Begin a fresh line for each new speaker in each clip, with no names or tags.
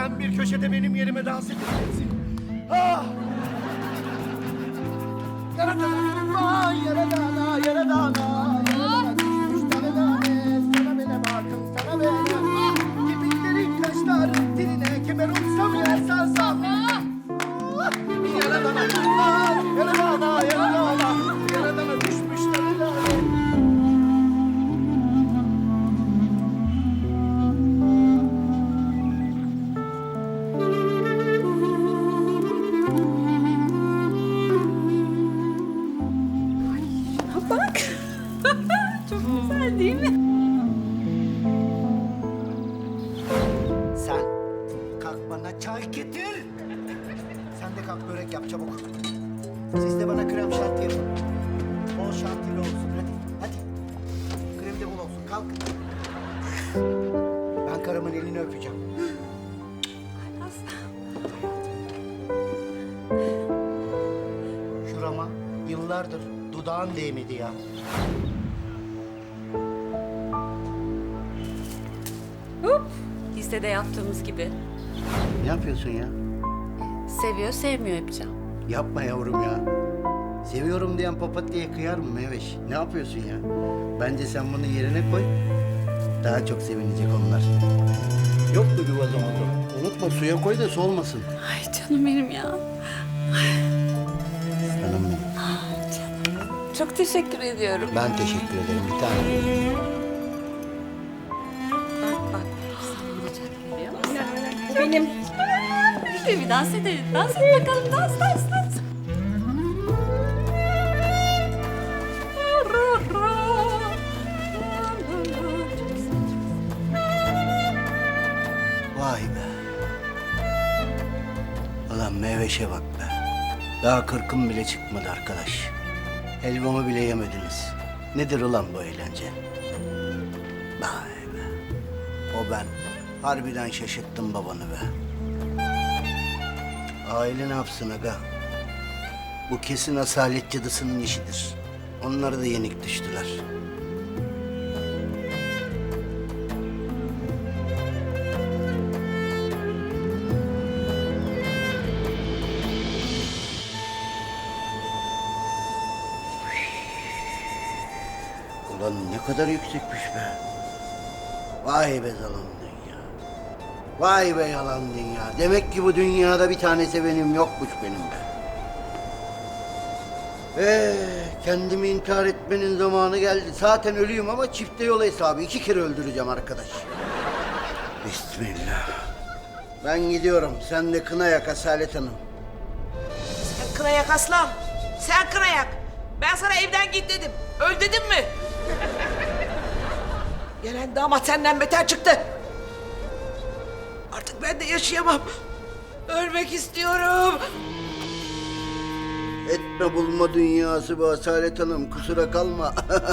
Sen bir köşede benim yerime dans edeceksin. Ah! Yaradana, yaradana, yaradana, yaradana, düşmüş tane tane, sana bana bakın, sana bana. Kemiklerin kaşların diline, kemer olsam yer sarsam. Yaradana, yaradana, yaradana, yaradana, düşmüş tane tane.
Bak. Çok güzel değil mi?
Sen kalk bana çay getir. Sen de kalk börek yap çabuk. Siz de bana krem şanti yapın. Bol şantili olsun hadi. Hadi. Krem de bol olsun kalk. Ben karımın elini öpeceğim. Şurama yıllardır dudağın değmedi ya.
Hop. Listede yaptığımız gibi.
Ne yapıyorsun ya?
Seviyor, sevmiyor yapacağım.
Yapma yavrum ya. Seviyorum diyen papatyaya kıyar mı Meveş? Ne yapıyorsun ya? Bence sen bunu yerine koy. Daha çok sevinecek onlar. Yok mu bir vazomozu? Unutma suya koy da soğumasın.
Ay canım benim ya.
Canım benim.
Canım. Çok teşekkür ediyorum.
Ben teşekkür ederim bir tane.
Bak. Sen vuracak görüyor musun? Bu benim. İşte bir dans edelim. Dans et bakalım. Dans.
Vay be. Ulan Meveş'e bak be. Daha 40'ım bile çıkmadı arkadaş. Helvamı bile yemediniz. Nedir ulan bu eğlence? Vay be. O ben. Harbiden şaşırttım babanı be. Aile ne yapsın aga? Bu kesin asalet cadısının işidir. Onları da yenik düştüler. Ulan ne kadar yüksekmiş be. Vay be zalim dünya. Vay be yalan dünya. Demek ki bu dünyada bir tane sevenim yokmuş benim be. Kendimi intihar etmenin zamanı geldi. Zaten ölüyüm ama çifte yol hesabı. 2 kere öldüreceğim arkadaş. Bismillah. Ben gidiyorum. Sen de kına yak Asalet Hanım.
Sen kına yak aslan. Sen kına yak. Ben sana evden git dedim. Öl dedim mi? Gelen damat senden beter çıktı. Artık ben de yaşayamam. Ölmek istiyorum.
Etme bulma dünyası bu Asalet Hanım. Kusura kalma.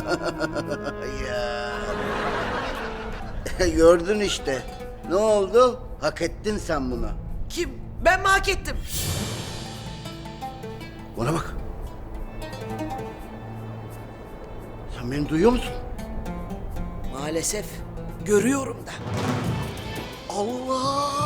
Ya. Gördün işte. Ne oldu? Hak ettin sen bunu.
Kim? Ben mi hak ettim?
Bana bak. Sen beni duyuyor musun?
Maalesef görüyorum da.
Allah!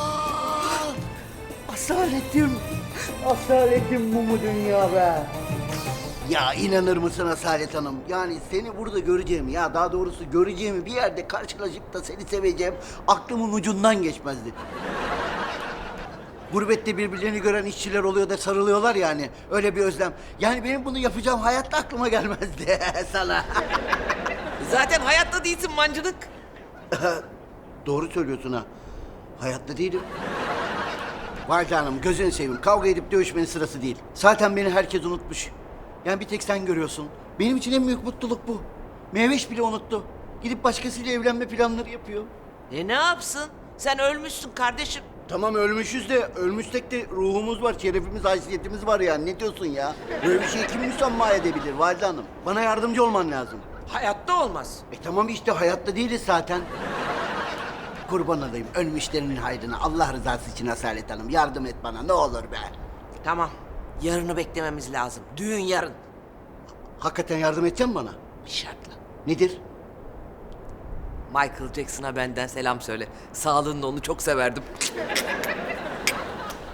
Asaletim! Asaletim bu mu dünya be? Ya inanır mısın Asalet Hanım? Yani seni burada göreceğim ya daha doğrusu göreceğimi bir yerde karşılaşıp da seni seveceğim aklımın ucundan geçmezdi. Gurbette birbirlerini gören işçiler oluyor da sarılıyorlar yani. Öyle bir özlem. Yani benim bunu yapacağım hayatta aklıma gelmezdi sana.
Zaten hayatta değilsin mancınık.
Doğru söylüyorsun ha. Hayatta değilim. Vay canım gözünü seveyim. Kavga edip dövüşmenin sırası değil. Zaten beni herkes unutmuş. Yani bir tek sen görüyorsun. Benim için en büyük mutluluk bu. Meveş bile unuttu. Gidip başkasıyla evlenme planları yapıyor.
Ne yapsın? Sen ölmüşsün kardeşim.
Tamam ölmüşüz de ölmüşsek de ruhumuz var, şerefimiz, haysiyetimiz var yani. Ne diyorsun ya? Böyle bir şeyi kim müsamma edebilir Valide Hanım? Bana yardımcı olman lazım.
Hayatta olmaz.
Tamam işte hayatta değiliz zaten. Kurban olayım ölmüşlerinin hayrına. Allah rızası için Asalet Hanım yardım et bana ne olur be.
Tamam. Yarını beklememiz lazım. Düğün yarın.
Hakikaten yardım edeceksin bana.
Bir şartla.
Nedir?
Michael Jackson'a benden selam söyle. Sağlığında onu çok severdim.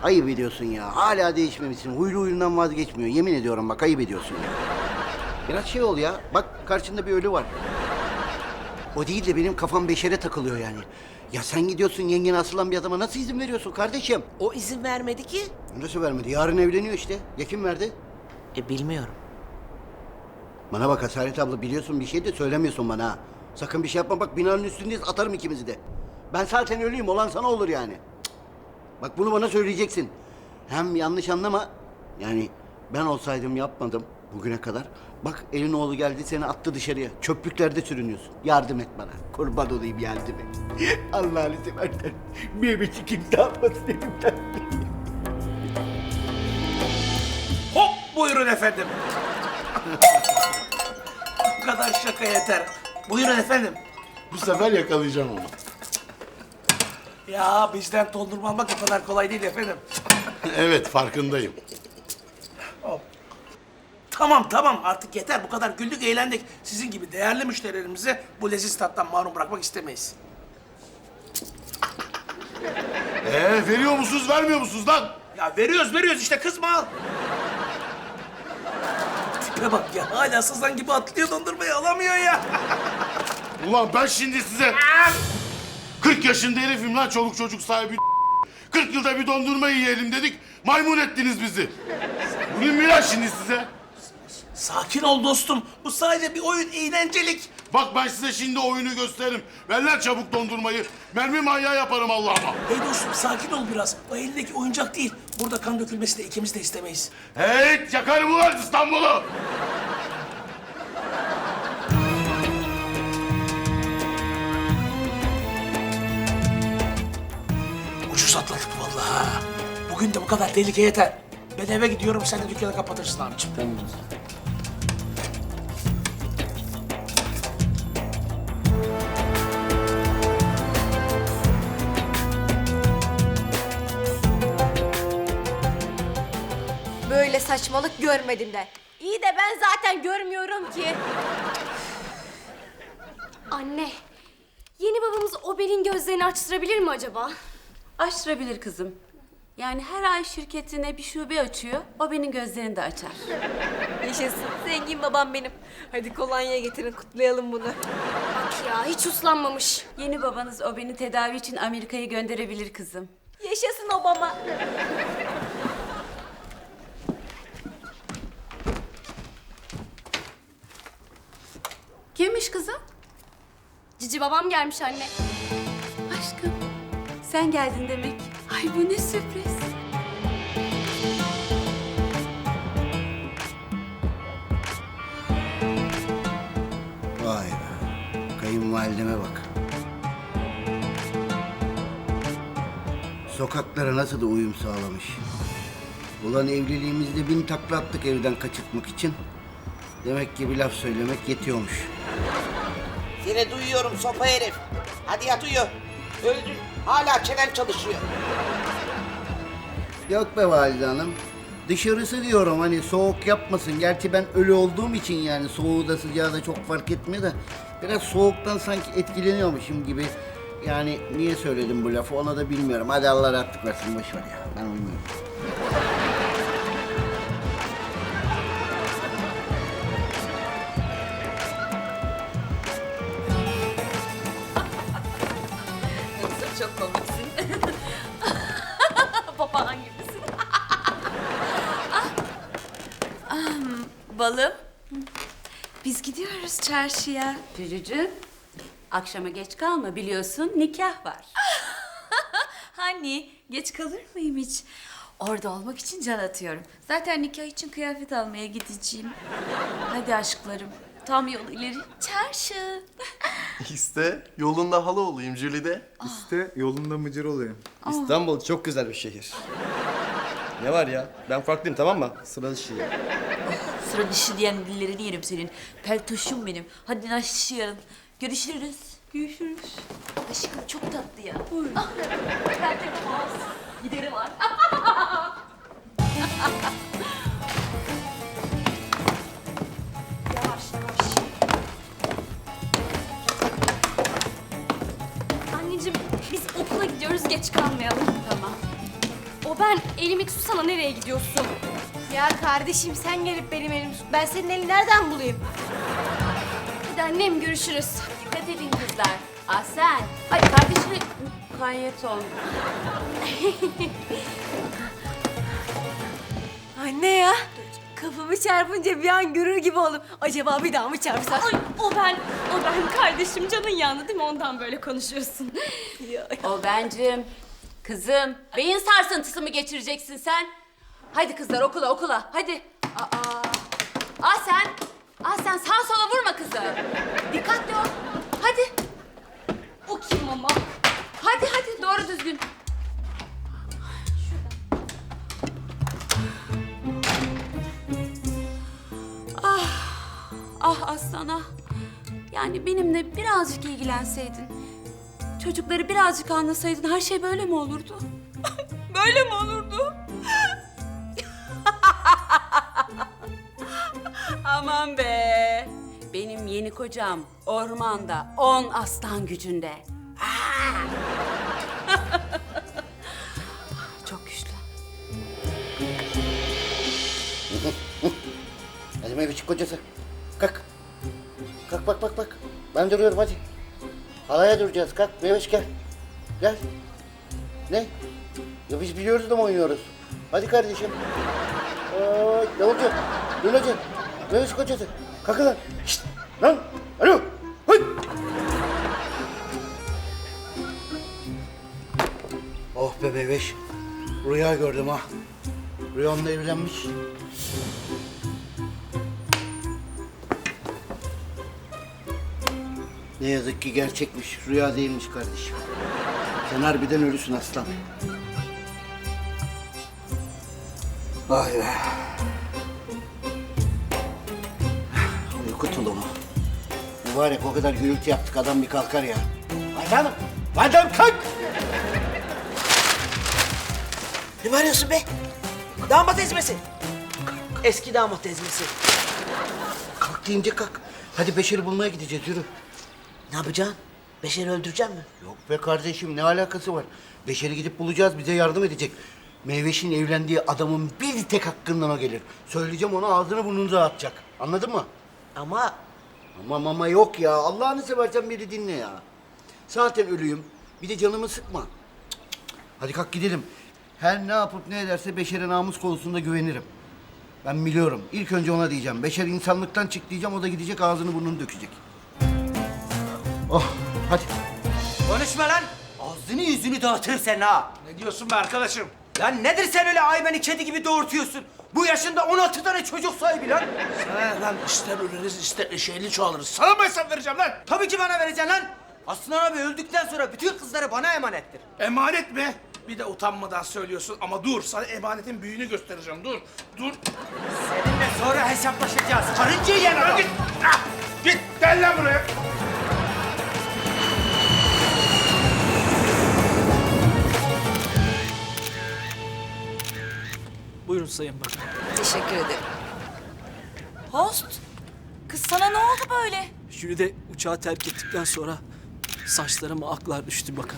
Ayıp ediyorsun ya. Hala değişmemişsin. Huylu huyundan vazgeçmiyor. Yemin ediyorum bak ayıp ediyorsun ya. Biraz şey ol ya. Bak karşında bir ölü var. O değil de benim kafam beşere takılıyor yani. Ya sen gidiyorsun yengene asılan bir adama nasıl izin veriyorsun kardeşim?
O izin vermedi ki.
Nasıl vermedi? Yarın evleniyor işte. Ya kim verdi?
Bilmiyorum.
Bana bak Hasaret abla biliyorsun bir şey de söylemiyorsun bana ha. Sakın bir şey yapma bak binanın üstündeyiz atarım ikimizi de. Ben zaten ölüyüm olan sana olur yani. Cık. Bak bunu bana söyleyeceksin. Hem yanlış anlama. Yani ben olsaydım yapmadım bugüne kadar. Bak elin oğlu geldi seni attı dışarıya. Çöplüklerde sürünüyorsun. Yardım et bana. Kurban olayım yardım et. Allah'ını seversen. Mehmet'i kimse almasın elimden.
Hop buyurun efendim. Bu kadar şaka yeter. Buyurun efendim.
Bu sefer yakalayacağım onu.
Ya bizden dondurma almak o kadar kolay değil efendim.
Evet, farkındayım.
Tamam artık yeter. Bu kadar güldük eğlendik. Sizin gibi değerli müşterilerimizi bu leziz tattan mahrum bırakmak istemeyiz.
Veriyor musunuz, vermiyor musunuz lan?
Ya veriyoruz işte kızma al. Tipe bak ya hala sızan gibi atlıyor dondurmayı alamıyor ya.
Ulan ben şimdi size... 40 yaşında herifim lan, çoluk çocuk sahibi. 40 yılda bir dondurma yiyelim dedik, maymun ettiniz bizi. Bu ne mi lan şimdi size?
Sakin ol dostum. Bu sadece bir oyun eğlencelik.
Bak ben size şimdi oyunu gösteririm. Ver lan çabuk dondurmayı. Mermi manyağı yaparım Allah'ıma.
Hey dostum sakin ol biraz. O elindeki oyuncak değil. Burada kan dökülmesini de ikimiz de istemeyiz.
Hey, yakarım ulan İstanbul'u.
Ucuz atlattık vallahi. Bugün de bu kadar tehlike yeter. Ben eve gidiyorum, sen de dükkanı kapatırsın abicim.
Böyle saçmalık görmedim de. İyi de ben zaten görmüyorum ki. Anne, yeni babamız Obel'in gözlerini açtırabilir mi acaba?
Açtırabilir kızım. Yani her ay şirketine bir şube açıyor. O benim gözlerini de açar.
Yaşasın, zengin babam benim. Hadi kolonya getirin, kutlayalım bunu. Bak ya, hiç uslanmamış.
Yeni babanız o beni tedavi için Amerika'ya gönderebilir kızım.
Yaşasın Obama.
Kimmiş kızım?
Cici babam gelmiş anne.
Aşkım. Sen geldin demek. Ay bu ne sürpriz.
Vay be. Kayınvalideme bak. Sokaklara nasıl da uyum sağlamış. Ulan evliliğimizde 1000 takla attık evden kaçırtmak için. Demek ki bir laf söylemek yetiyormuş.
Seni duyuyorum sopa herif. Hadi yat uyu. Öldün. Hala çenen çalışıyor.
Yok be valide hanım. Dışarısı diyorum hani soğuk yapmasın. Gerçi ben ölü olduğum için yani soğuğu da sıcağı da çok fark etmiyor da biraz soğuktan sanki etkileniyormuşum gibi. Yani niye söyledim bu lafı ona da bilmiyorum. Hadi Allah rahatlık versin boş ver ya. Ben uyumuyorum.
Çok komiksin. Papağan gibisin. Balım. Biz gidiyoruz çarşıya. Cücücüğüm. Akşama geç kalma biliyorsun nikah var.
Hani geç kalır mıyım hiç? Orada olmak için can atıyorum. Zaten nikah için kıyafet almaya gideceğim. Hadi aşklarım. Tam yol ileri. Çarşı.
İşte yolunda halı olayım Jülide.
İşte yolunda mıcır olayım. İstanbul çok güzel bir şehir. Ne var ya? Ben farklıyım tamam mı? Sıra dışı.
Sıra dışı diyen dillerini yerim senin. Peltoşum benim. Hadi naşışıyalım. Görüşürüz. Görüşürüz. Aşkım çok tatlı ya. Ah, ben de giderim artık.
Yavaş yavaş. Anneciğim biz okula gidiyoruz geç kalmayalım.
Tamam.
O ben elimi tutsana, nereye gidiyorsun? Ya kardeşim sen gelip benim elimi tut. Ben senin elini nereden bulayım? Hadi annem, görüşürüz.
Dikkat edin kızlar. Ahsen. Ay kardeşine mukayyet ol.
Anne ya. Kafamı çarpınca bir an görür gibi oldum. Acaba bir daha mı çarpsam?
Ay o ben kardeşim, canın yandı değil mi? Ondan böyle konuşuyorsun.
O bencim. Kızım, beyin sarsıntısı mı geçireceksin sen? Hadi kızlar okula hadi. Ahsen sağa sola vurma kızım. Dikkatli ol. Hadi.
O kim ama?
Hadi doğru düzgün. Ah Aslan ah. Yani benimle birazcık ilgilenseydin. Çocukları birazcık anlasaydın her şey böyle mi olurdu? Böyle mi olurdu? Aman be. Benim yeni kocam ormanda 10 aslan gücünde. Ah! Çok güçlü.
Hadi Mehmetçik kocası. Kalk. Kalk bak. Ben duruyorum hadi. Halaya duracağız. Kalk Mehmet gel. Gel. Ne? Ya biz biliyoruz da mı oynuyoruz? Hadi kardeşim. Ne olacak? Ne olacak? Mehmet kocası. Kalkın lan. Şşt. Lan. Alo. Hıy. Oh be bebeş. Rüya gördüm ha. Rüyamda evlenmiş. Ne yazık ki gerçekmiş. Rüya değilmiş kardeşim. Sen harbiden ölüsün aslan. Vay be. Uyku tulumu. Mübarek o kadar gürültü yaptık adam bir kalkar ya. Valide Hanım kalk!
Ne bağırıyorsun be? Damat ezmesi. Eski damat ezmesi.
Kalk deyince kalk. Hadi Beşer'i bulmaya gideceğiz yürü.
Ne yapacaksın? Beşer'i öldüreceksin mi?
Yok be kardeşim ne alakası var? Beşer'i gidip bulacağız bize yardım edecek. Meyveş'in evlendiği adamın bir tek hakkından o gelir. Söyleyeceğim ona ağzını burnunu dağıtacak. Anladın mı?
Ama
Ama yok ya. Allah'ını seversen beni dinle ya. Zaten ölüyüm. Bir de canımı sıkma. Cık. Hadi kalk gidelim. Her ne yapıp ne ederse Beşer'e namus konusunda güvenirim. Ben biliyorum. İlk önce ona diyeceğim. Beşer insanlıktan çık diyeceğim. O da gidecek ağzını burnunu dökecek. Oh hadi.
Konuşma lan. Ağzını yüzünü dağıtır sen ha.
Ne diyorsun be arkadaşım?
Lan nedir sen öyle hayvanı kedi gibi doğurtuyorsun? Bu yaşında 16 tane çocuk sahibi lan.
Lan ister ölürüz ister eşeğli çoğalırız. Sana mı hesap vereceğim lan?
Tabii ki bana vereceksin lan. Aslan abi öldükten sonra bütün kızları bana emanettir.
Emanet mi? Bir de utanmadan söylüyorsun ama dur sana emanetin büyüğünü göstereceğim dur.
Seninle sonra hesaplaşacağız. Karınca yiyen adam.
Git. Git gel lan buraya.
Buyurun Sayın Bakan.
Teşekkür ederim.
Host. Kız sana ne oldu böyle?
Jülide uçağı terk ettikten sonra saçlarıma aklar düştü bakalım.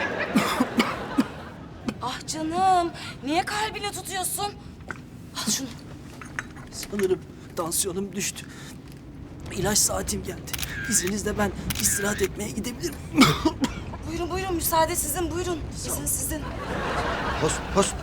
Ah canım. Niye kalbini tutuyorsun? Al şunu.
Sanırım tansiyonum düştü. İlaç saatim geldi. İzninizle ben istirahat etmeye gidebilirim.
Buyurun müsaade sizin buyurun. İzin sizin.
Host.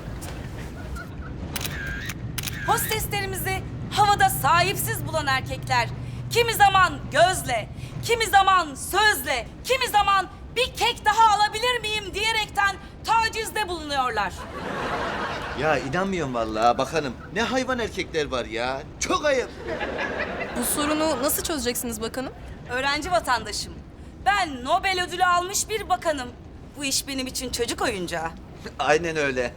Hosteslerimizi havada sahipsiz bulan erkekler kimi zaman gözle, kimi zaman sözle, kimi zaman bir kek daha alabilir miyim diyerekten tacizde bulunuyorlar.
Ya inanmıyorum vallahi bakanım. Ne hayvan erkekler var ya. Çok ayıp.
Bu sorunu nasıl çözeceksiniz bakanım?
Öğrenci vatandaşım. Ben Nobel ödülü almış bir bakanım. Bu iş benim için çocuk oyuncağı.
Aynen öyle.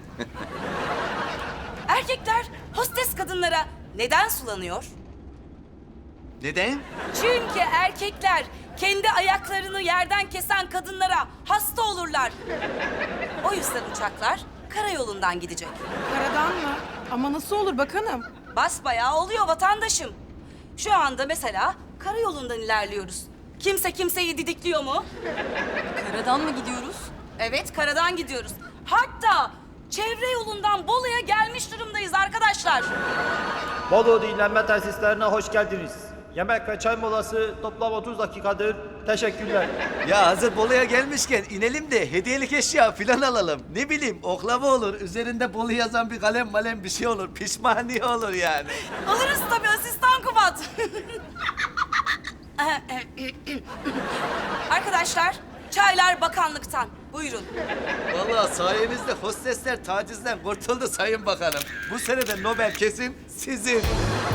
Erkekler hostes kadınlara neden sulanıyor?
Neden?
Çünkü erkekler kendi ayaklarını yerden kesen kadınlara hasta olurlar. O yüzden uçaklar karayolundan gidecek.
Karadan mı? Ama nasıl olur bakanım?
Basbayağı oluyor vatandaşım. Şu anda mesela karayolundan ilerliyoruz. Kimse kimseyi didikliyor mu?
Karadan mı gidiyoruz?
Evet, karadan gidiyoruz. Hatta çevre yolundan Bolu'ya gelmiş durumdayız arkadaşlar.
Bolu dinlenme tesislerine hoş geldiniz. Yemek ve çay molası toplam 30 dakikadır. Teşekkürler.
Ya hazır Bolu'ya gelmişken inelim de hediyelik eşya filan alalım. Ne bileyim oklava olur, üzerinde Bolu yazan bir kalem malem bir şey olur. Pişmaniye olur yani.
Alırız tabii asistan Kubat. Arkadaşlar, çaylar bakanlıktan. Buyurun.
Vallahi sayenizde hostesler tacizden kurtuldu Sayın Bakanım. Bu sene de Nobel kesin sizin.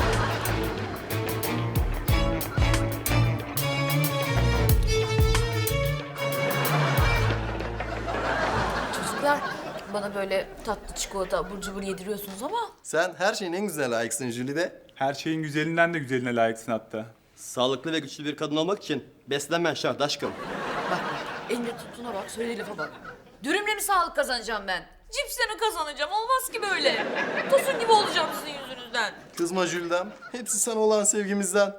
Çocuklar, bana böyle tatlı çikolata, abur cubur yediriyorsunuz ama...
Sen her şeyin en güzeline layıksın Jülide.
Her şeyin güzelinden de güzeline layıksın hatta.
Sağlıklı ve güçlü bir kadın olmak için beslenmen şart aşkım.
Bak, elinde tuttuğuna bak, söylediği lafa bak. Dürümle mi sağlık kazanacağım ben? Cipsle mi kazanacağım? Olmaz ki böyle. Tosun gibi olacağım sizin yüzünüzden.
Kızma Jülidem. Hepsi sana olan sevgimizden.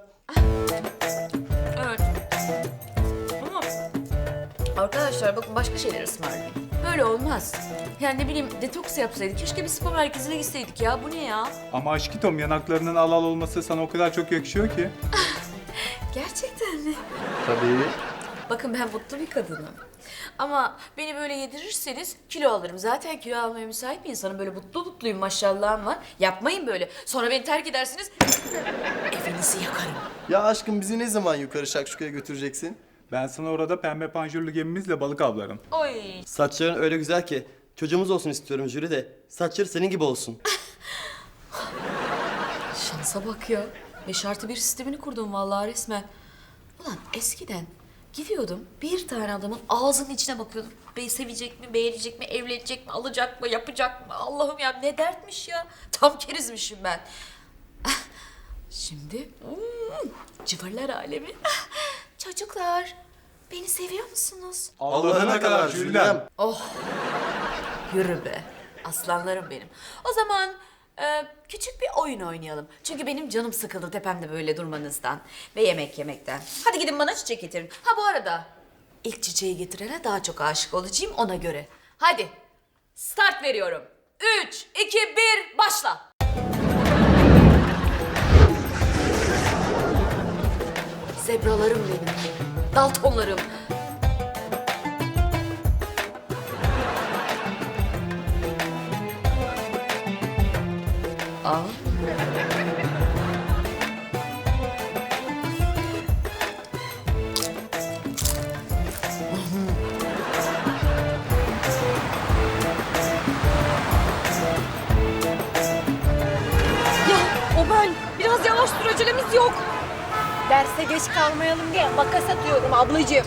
Evet. Ama arkadaşlar bakın başka şeyler ısmarlayayım. Böyle olmaz. Yani ne bileyim detoks yapsaydık. Keşke bir spor merkezine gitseydik ya. Bu ne ya?
Ama aşkitom yanaklarının al al olması sana o kadar çok yakışıyor ki.
Gerçekten mi?
Tabii.
Bakın ben mutlu bir kadınım. Ama beni böyle yedirirseniz kilo alırım. Zaten kilo almaya müsait bir insanım. Böyle mutluyum maşallahım var. Yapmayın böyle. Sonra beni terk edersiniz. Evinizi yakarım.
Ya aşkım bizi ne zaman yukarı Şakşuka'ya götüreceksin?
Ben sana orada pembe panjurlu gemimizle balık avlarım.
Oy.
Saçların öyle güzel ki çocuğumuz olsun istiyorum Jülide. Saçları senin gibi olsun.
Şansa bak ya. 5+1 sistemini kurdum vallahi resmen. Ulan eskiden gidiyordum bir tane adamın ağzının içine bakıyordum. Sevecek mi, beğenecek mi, evlenecek mi, alacak mı, yapacak mı? Allah'ım ya ne dertmiş ya. Tam kerizmişim ben. Şimdi cıvırlar alemi. Çocuklar beni seviyor musunuz?
Allah'ına kadar Jülidem.
Oh yürü be aslanlarım benim. O zaman küçük bir oyun oynayalım. Çünkü benim canım sıkıldı tepemde böyle durmanızdan ve yemek yemekten. Hadi gidin bana çiçek getirin. Ha bu arada ilk çiçeği getirene daha çok aşık olacağım ona göre. Hadi start veriyorum. 3, 2, 1 başla. Zebralarım benim. Daltonlarım. Aa.
Ya o ben. Biraz yavaş dur acelemiz yok. Derse geç kalmayalım diye makas atıyorum ablacığım.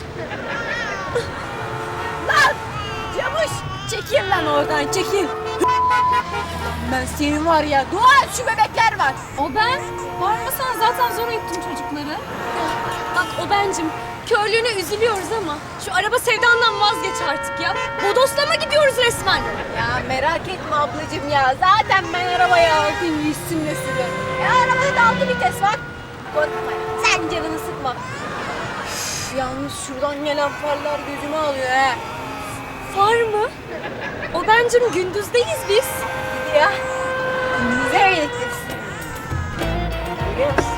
Lan! Camış! Çekil lan oradan çekil. Ben senin var ya dua et şu bebekler var.
O ben. Bağırmasana zaten zor ettim çocukları.
Bak o bencim. Körlüğüne üzülüyoruz ama şu araba sevdandan vazgeç artık ya. Bodoslama gidiyoruz resmen. Ya merak etme ablacığım ya. Zaten ben arabaya aldım üstümle sürüyorum. Arabada da 6 vites var. Korkma ya. Sen canını sıkma. Üf, yalnız şuradan gelen farlar gözüme alıyor he. Far mı? O bencim gündüzdeyiz biz. Ya. Gündüzde birlikteyiz. Görüyor musun?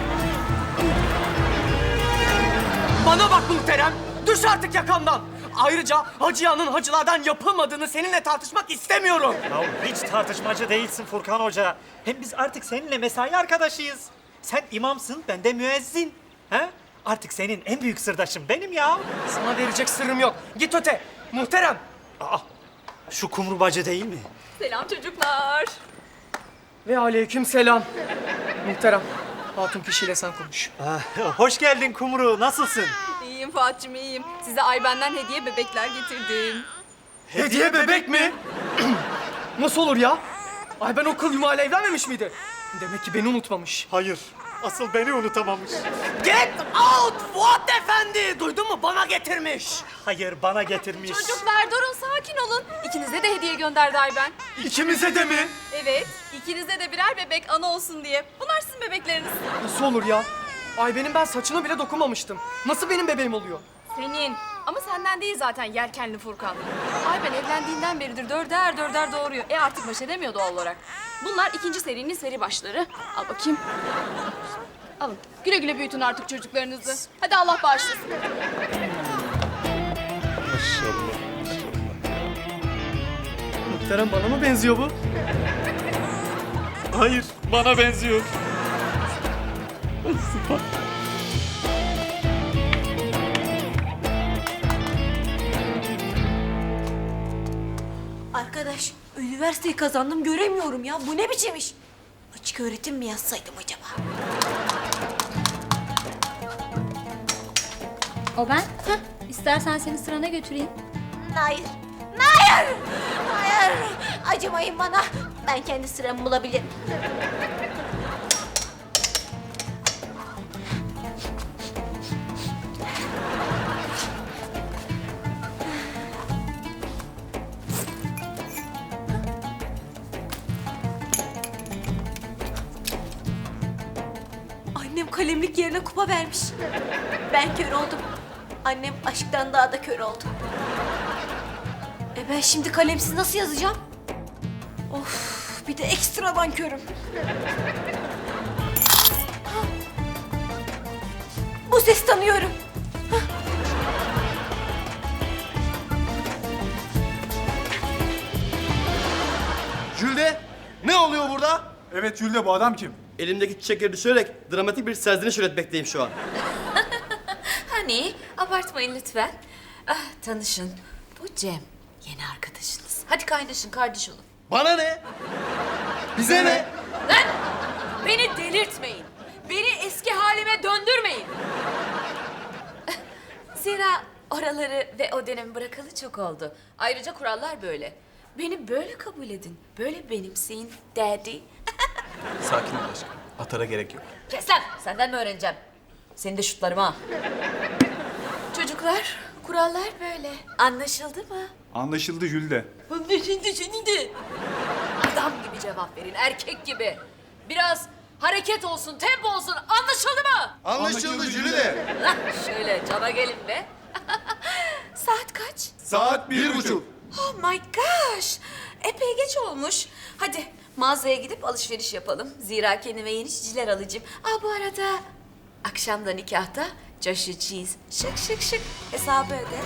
Bana bak muhterem. Düş artık yakamdan. Ayrıca Hacıyan'ın hacılardan yapılmadığını seninle tartışmak istemiyorum.
Ya hiç tartışmacı değilsin Furkan Hoca. Hem biz artık seninle mesai arkadaşıyız. Sen imamsın, ben de müezzin. He? Artık senin en büyük sırdaşın benim ya.
Sana verecek sırrım yok. Git öte. Muhterem.
Aa, şu kumru bacı değil mi?
Selam çocuklar.
Ve aleyküm selam. Muhterem. Hatun kişiyle sen konuş.
Hoş geldin kumru, nasılsın?
İyiyim Fuat'cığım iyiyim. Size Ayben'den hediye bebekler getirdim.
Hediye bebek mi? Nasıl olur ya? Ay ben o kıl yumağıyla evlenmemiş miydi? Demek ki beni unutmamış.
Hayır, asıl beni unutamamış.
Get out Fuat Efendi! Duydun mu? Bana getirmiş.
Hayır, bana getirmiş.
Çocuklar durun sakin olun. İkinize de hediye gönderdi Ayben.
İkimize de mi?
Evet, ikinize de birer bebek ana olsun diye. Bunlar sizin bebekleriniz.
Nasıl olur ya? Ay benim ben saçına bile dokunmamıştım. Nasıl benim bebeğim oluyor?
Senin.
Ama senden değil zaten yelkenli Furkan. Ay ben evlendiğinden beridir dörder doğuruyor. Artık baş edemiyor doğal olarak. Bunlar ikinci serinin seri başları. Al bakayım. Alın. Güle güle büyütün artık çocuklarınızı. Hadi Allah bağışlasın.
Muhterem bana mı benziyor bu? Hayır, bana benziyor.
Arkadaş, üniversiteyi kazandım göremiyorum ya. Bu ne biçim iş? Açık öğretim mi yazsaydım acaba?
O ben. İstersen seni sırana götüreyim.
Hayır. Hayır! Hayır! Acımayın bana. Ben kendi sıramı bulabilirim. Annem kalemlik yerine kupa vermiş. Ben kör oldum. Annem aşktan daha da kör oldu. Ben şimdi kalemsiz nasıl yazacağım? Of, bir de ekstradan körüm. Bu sesi tanıyorum.
Jülde, ne oluyor burada?
Evet Jülde, bu adam kim?
Elimdeki çiçekleri düşürerek dramatik bir serzeniş üretmekteyim şu an.
Hani, abartmayın lütfen. Tanışın, bu Cem. Yeni arkadaşınız. Hadi kaynaşın, kardeş olun.
Bana ne? Bize ne?
Lan! Beni delirtmeyin. Beni eski halime döndürmeyin.
Zira oraları ve o dönemi bırakalı çok oldu. Ayrıca kurallar böyle. Beni böyle kabul edin. Böyle benimseyin daddy.
Sakin ol aşkım. Atara gerek yok.
Kes lan! Senden mi öğreneceğim? Seni de şutlarım ha. Çocuklar, kurallar böyle. Anlaşıldı mı?
Anlaşıldı Jülde.
Anlaşıldı senin de. Adam gibi cevap verin, erkek gibi. Biraz hareket olsun, tempo olsun. Anlaşıldı mı?
Anlaşıldı Jülde.
Lan şöyle cana gelin be. Saat kaç?
Saat 1:30.
Oh my gosh. Epey geç olmuş. Hadi mağazaya gidip alışveriş yapalım. Zira kendime yeni çiciler alacağım. Bu arada akşam da nikahta Joshua Cheese. Şık şık şık. Hesabı öde.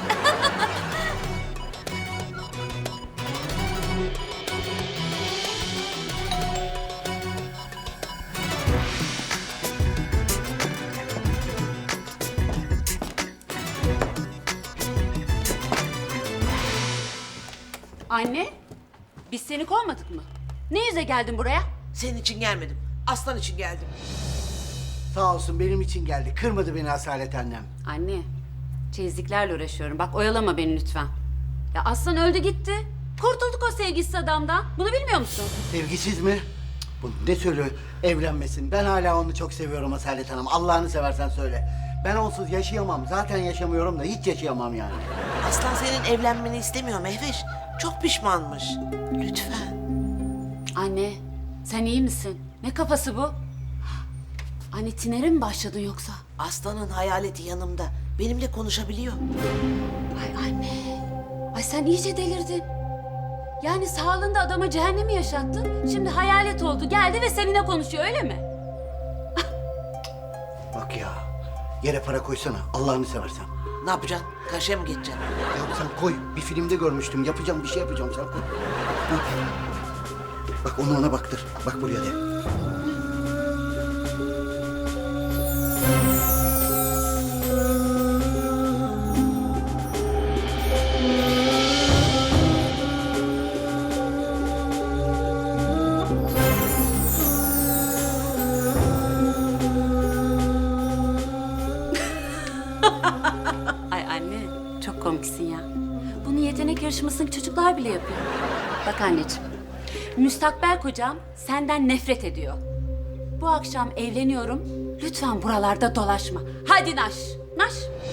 Anne, biz seni kovmadık mı? Ne yüze geldin buraya?
Senin için gelmedim. Aslan için geldim.
Sağ olsun benim için geldi. Kırmadı beni Asalet annem.
Anne, çeyizliklerle uğraşıyorum. Bak oyalama beni lütfen. Ya Aslan öldü gitti. Kurtulduk o sevgisiz adamdan. Bunu bilmiyor musun?
Sevgisiz mi? Bu ne söylüyor? Evlenmesin. Ben hala onu çok seviyorum Asalet Hanım. Allah'ını seversen söyle. Ben onsuz yaşayamam. Zaten yaşamıyorum da hiç yaşayamam yani.
Aslan senin evlenmeni istemiyor Mehveş. Çok pişmanmış. Lütfen.
Anne, sen iyi misin? Ne kafası bu? Anne tinere mi başladın yoksa?
Aslanın hayaleti yanımda. Benimle konuşabiliyor.
Ay anne. Ay sen iyice delirdin. Yani sağlığında adama cehennemi yaşattın. Şimdi hayalet oldu. Geldi ve seninle konuşuyor öyle mi?
Bak ya. Yere para koysana. Allah'ını seversen.
Ne yapacaksın? Karşıya mı geçeceksin?
Ya sen koy. Bir filmde görmüştüm. Yapacağım bir şey yapacağım. Sen koy. Hah. Bak onu ona baktır. Bak buraya de.
Ay anne çok komiksin ya. Bunu yetenek yarışmasındaki çocuklar bile yapıyor. Bak anneciğim. Müstakbel kocam senden nefret ediyor. Bu akşam evleniyorum. Lütfen buralarda dolaşma. Hadi naş. Naş.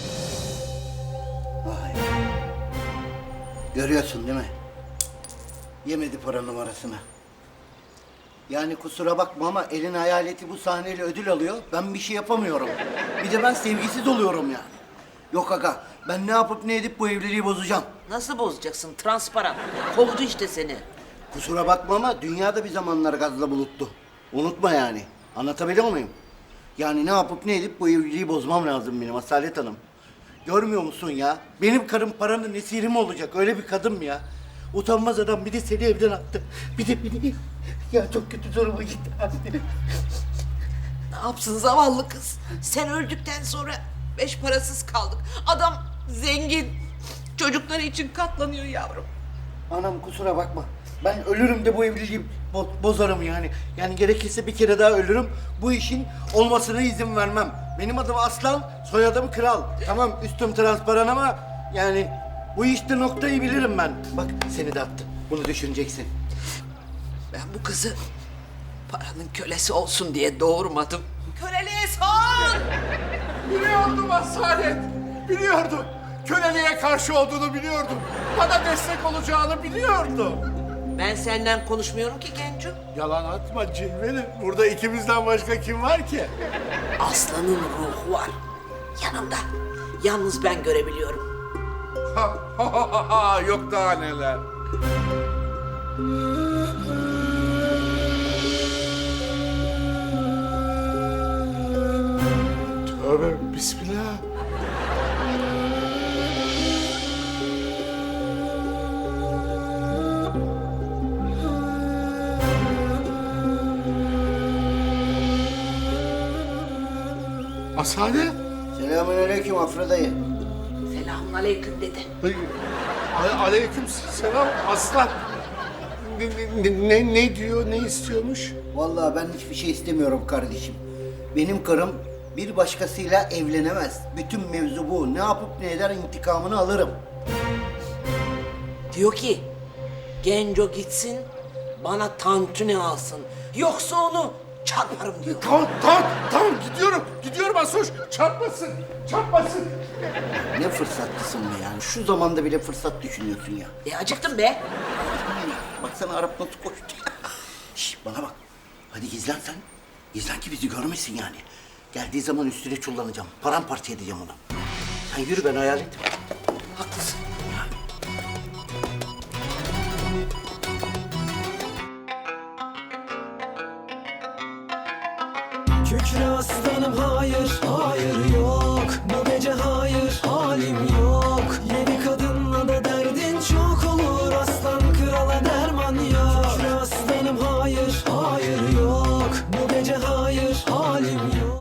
Vay. Görüyorsun değil mi? Yemedi para numarasını. Yani kusura bakma ama elin hayaleti bu sahneyle ödül alıyor. Ben bir şey yapamıyorum. Bir de ben sevgisiz oluyorum yani. Yok aga, Ben ne yapıp ne edip bu evliliği bozacağım.
Nasıl bozacaksın? Transparan. Kovdu işte seni.
Kusura bakma ama dünya da bir zamanlar gazla buluttu. Unutma yani. Anlatabiliyor muyum? Yani ne yapıp ne edip bu evliliği bozmam lazım benim Asalet Hanım. Görmüyor musun ya? Benim karım paranın esiri mi olacak? Öyle bir kadın ya. Utanmaz adam bir de seni evden attı. Bir de beni... Ya çok kötü duruma gitti anne.
Ne yapsın zavallı kız? Sen öldükten sonra 5 parasız kaldık. Adam zengin. Çocukları için katlanıyor yavrum.
Anam kusura bakma. Ben ölürüm de bu evliliği bozarım yani. Yani gerekirse bir kere daha ölürüm. Bu işin olmasına izin vermem. Benim adım Aslan, soyadım Kral. Tamam üstüm transparan ama yani bu işte noktayı bilirim ben. Bak seni de attı. Bunu düşüneceksin.
Ben bu kızı paranın kölesi olsun diye doğurmadım. Köleliğe son!
Biliyordum Asalet. Biliyordum. Köleliğe karşı olduğunu biliyordum. Bana destek olacağını biliyordum.
Ben senden konuşmuyorum ki Genco.
Yalan atma Cilveli. Burada ikimizden başka kim var ki?
Aslanın ruhu var. Yanımda. Yalnız ben görebiliyorum.
Yok daha neler. Tövbe bismillah. Asalet.
Selamünaleyküm Afra dayı.
Selamünaleyküm dedi.
Aleyküm selam Aslan. Ne diyor, ne istiyormuş?
Vallahi ben hiçbir şey istemiyorum kardeşim. Benim karım bir başkasıyla evlenemez. Bütün mevzu bu. Ne yapıp ne eder intikamını alırım.
Diyor ki Genco gitsin bana tantuni alsın. Yoksa onu çarparım diyor.
Tamam gidiyorum Asoş. Çarpmasın.
Ne fırsatlısın be yani. Şu zamanda bile fırsat düşünüyorsun ya.
Acıktım be.
Baksana Arap nasıl koştu. Şş, bana bak. Hadi gizlen sen. Gizlen ki bizi görmesin yani. Geldiği zaman üstüne çullanacağım. Paramparça edeceğim onu. Sen yürü ben hayal ettim.
Haklısın.
Kükre aslanım hayır, hayır yok. Bu